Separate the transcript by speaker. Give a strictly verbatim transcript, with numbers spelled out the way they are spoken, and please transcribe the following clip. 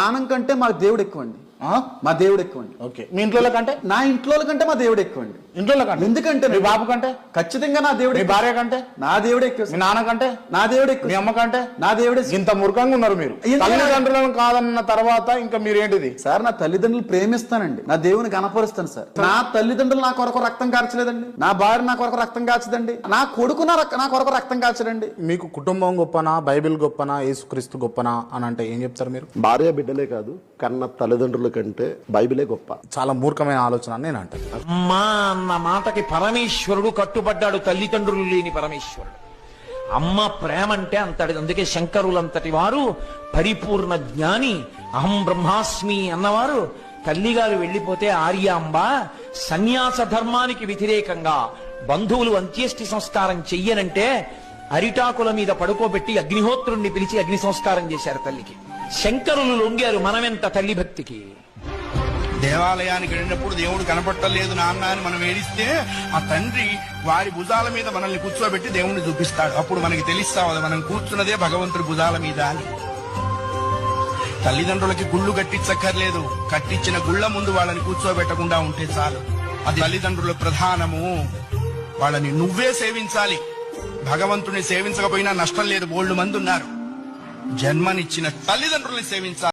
Speaker 1: ప్రాణం కంటే మా దేవుడు ఎక్కువండి. మా దేవుడు ఎక్కువండి.
Speaker 2: ఓకే, మీ ఇంట్లో కంటే?
Speaker 1: నా ఇంట్లో కంటే మా దేవుడు ఎక్కువండి.
Speaker 2: ఇంట్లో కంటే?
Speaker 1: ఎందుకంటే
Speaker 2: మీ బాబు కంటే?
Speaker 1: ఖచ్చితంగా నా దేవుడు.
Speaker 2: మీ భార్య కంటే?
Speaker 1: నా దేవుడు ఎక్కువ.
Speaker 2: మీ నాన్న కంటే?
Speaker 1: నా దేవుడు ఎక్కువ.
Speaker 2: మీ అమ్మ కంటే?
Speaker 1: నా దేవుడు.
Speaker 2: ఇంత మూర్ఖంగా ఉన్నారు మీరు. తల్లిదండ్రులను కాదన్న తర్వాత ఇంకా మీరు ఏంటిది
Speaker 1: సార్? నా తల్లిదండ్రులు ప్రేమిస్తానండి, నా దేవుని కనపరుస్తాను సార్. నా తల్లిదండ్రులు నా కొరకు రక్తం కార్చలేదండి, నా భార్య నా కొరకు రక్తం కాచదండి, నా కొడుకు నా నా కొరకు రక్తం కాచడండి.
Speaker 2: మీకు కుటుంబం గొప్పనా, బైబిల్ గొప్పనా, యేసుక్రీస్తు గొప్పనా అని అంటే ఏం చెప్తారు మీరు?
Speaker 3: భార్య బిడ్డలే కాదు, కన్న తల్లిదండ్రుల కంటే బైబిలే గొప్ప.
Speaker 2: చాలా మూర్ఖమైన ఆలోచన అని నేను అంటాను.
Speaker 4: అమ్మా అన్న మాటకి పరమేశ్వరుడు కట్టుబడ్డాడు, తల్లిదండ్రులు లేని పరమేశ్వరుడు. అమ్మ ప్రేమ అంటే అంతటి. అందుకే శంకరులంతటి వారు పరిపూర్ణ జ్ఞాని, అహం బ్రహ్మాస్మి అన్నవారు తల్లిగారు వెళ్లిపోతే ఆర్యాంబ సన్యాస ధర్మానికి వ్యతిరేకంగా బంధువులు అంత్యేష్టి సంస్కారం చెయ్యనంటే అరిటాకుల మీద పడుకోబెట్టి అగ్నిహోత్రుణ్ణి పిలిచి అగ్ని సంస్కారం చేశారు తల్లికి. శంకరులు లొంగారు. మనమెంత తల్లి భక్తికి.
Speaker 5: దేవాలయానికి వెళ్ళినప్పుడు దేవుడు కనపట్టలేదు నాన్న అని మనం ఏడిస్తే ఆ తండ్రి వారి భుజాల మీద మనల్ని కూర్చోబెట్టి దేవుణ్ణి చూపిస్తాడు. అప్పుడు మనకి తెలుస్తావు మనం కూర్చున్నదే భగవంతుడి భుజాల మీద అని. తల్లిదండ్రులకి గుళ్ళు కట్టించక్కర్లేదు, కట్టించిన గుళ్ళ ముందు వాళ్ళని కూర్చోబెట్టకుండా ఉంటే చాలు. అది తల్లిదండ్రుల ప్రధానము. వాళ్ళని నువ్వే సేవించాలి. భగవంతుని సేవించకపోయినా నష్టం లేదు. బోల్డు మంది ఉన్నారు. జన్మనిచ్చిన తల్లిదండ్రుల్ని సేవించాలి.